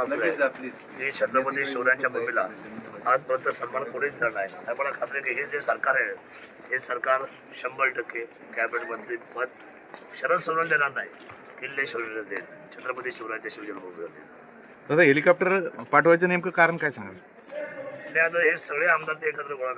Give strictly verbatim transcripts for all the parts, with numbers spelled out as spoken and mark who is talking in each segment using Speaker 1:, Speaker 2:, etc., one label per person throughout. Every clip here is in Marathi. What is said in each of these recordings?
Speaker 1: असू आहे की छत्रपती शिवरायांच्या भूमीला आजपर्यंत सन्मान कोणीच झाला नाही. आणि मला खात्री आहे की हे जे सरकार आहे हे सरकार शंभर टक्के कॅबिनेट मंत्री पद शरद सोनवणे देणार नाही, किल्ले शिवरायांना देईल, छत्रपती शिवरायांच्या शिवजन्मभूमीला देईल.
Speaker 2: दादा हेलिकॉप्टर पाठवायचं नेमकं कारण काय सांगाल?
Speaker 1: आणि आता हे सगळे आमदार ते एकत्र गोळा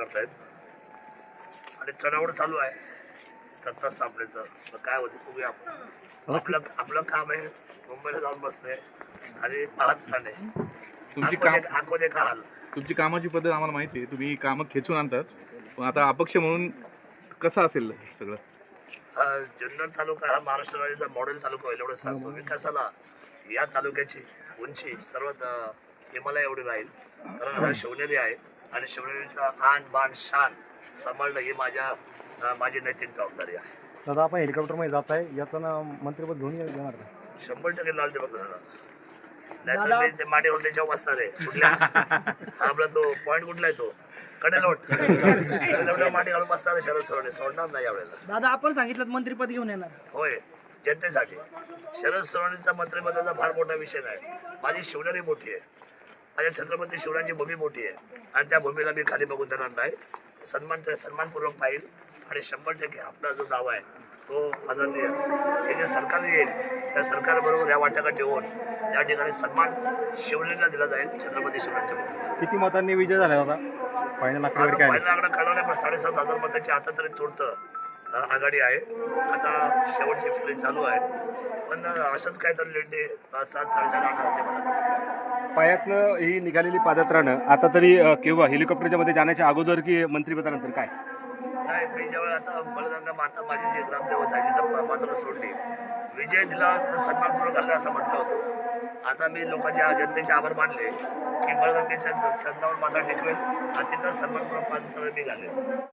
Speaker 1: करतायत आणि चढावड चालू आहे सत्ता स्थापनेचं. तर काय होते बघूया आपण. आपलं आपलं काम आहे मुंबईला जाऊन बसणे आणि पाहत राहणे.
Speaker 2: तुमची
Speaker 1: आखो
Speaker 2: काम
Speaker 1: दे- आखो दे का हाल.
Speaker 2: तुमची कामाची पद्धत आम्हाला माहिती आहे, तुम्ही कामं खेचून आणतात, पण आता अपक्ष म्हणून कसं असेल सगळं?
Speaker 1: हा जुन्नर तालुका हा महाराष्ट्र राज्याचा मॉडेल तालुका होईल एवढं सांगतो. विकासाला या तालुक्याची उंची सर्वात अं, हिमालय एवढी राहील, कारण हा शिवनेरी आहे आणि शिवनेरीचा आन बाण शान सांभाळणं ही माझ्या अं, माझी नैतिक जबाबदारी आहे.
Speaker 3: दादा आपण हेलिकॉप्टरमध्ये जात आहे, यातना मंत्रिपद घेऊन येणार का?
Speaker 1: शंभर टक्के लाल दिवस होणार. नाहीतर मी ते माडीवर त्याच्यावर बसणार आहे. कुठल्या हा आपला तो पॉईंट कुठला आहे तो कडेलोट कडेलोट माडी घालून बसणार आहे. शरद सोडणे सोडणार नाही यावेळेला.
Speaker 4: दादा आपण सांगितलं मंत्रिपद घेऊन येणार.
Speaker 1: होय, जनतेसाठी शरद सोनवणेचा मंत्रिपदाचा फार मोठा विषय नाही. माझी शिवनेरी मोठी आहे, माझ्या छत्रपती शिवरायांची भूमी मोठी आहे आणि त्या भूमीला मी खाली बघून देणार नाही. सन्मान सन्मानपूर्वक पाहिल आणि शंभर टक्के आपला जो दावा आहे तो आदरणीय हे जे सरकार येईल त्या सरकारबरोबर या वाटाघाट ठेवून त्या ठिकाणी सन्मान शिवनेरीला दिला जाईल, छत्रपती शिवरायांच्या भूमीला.
Speaker 3: किती मतांनी विजय झाला दादा? फायनल आकडेवारी काय?
Speaker 1: फायनल आकडा कळवला पण साडेसात हजार मतांची आता तरी तूर्त आघाडी आहे. आता शेवटची फेरी चालू आहे, पण असंच काहीतरी लेंडे सात साडेसात आठ हजार मला.
Speaker 3: पायातनं ही निघालेली पादत्राणं आता तरी अ, केव्हा हेलिकॉप्टरच्या मध्ये जाण्याच्या अगोदर की मंत्रिपदानंतर काय?
Speaker 1: नाही, मी ज्यावेळी आता बळगंगा माता माझी जी ग्रामदेवता आहे जिथं पात्र सोडली, विजय दिला तर सन्मानपूर्वक घालला असं म्हटलं होतं. आता मी लोकांच्या जनतेचे आभार मानले की बळगंगेच्या चरणावर माता टेकवेल आणि तिथं सन्मानपूर्वक पादत्र मी घालेल.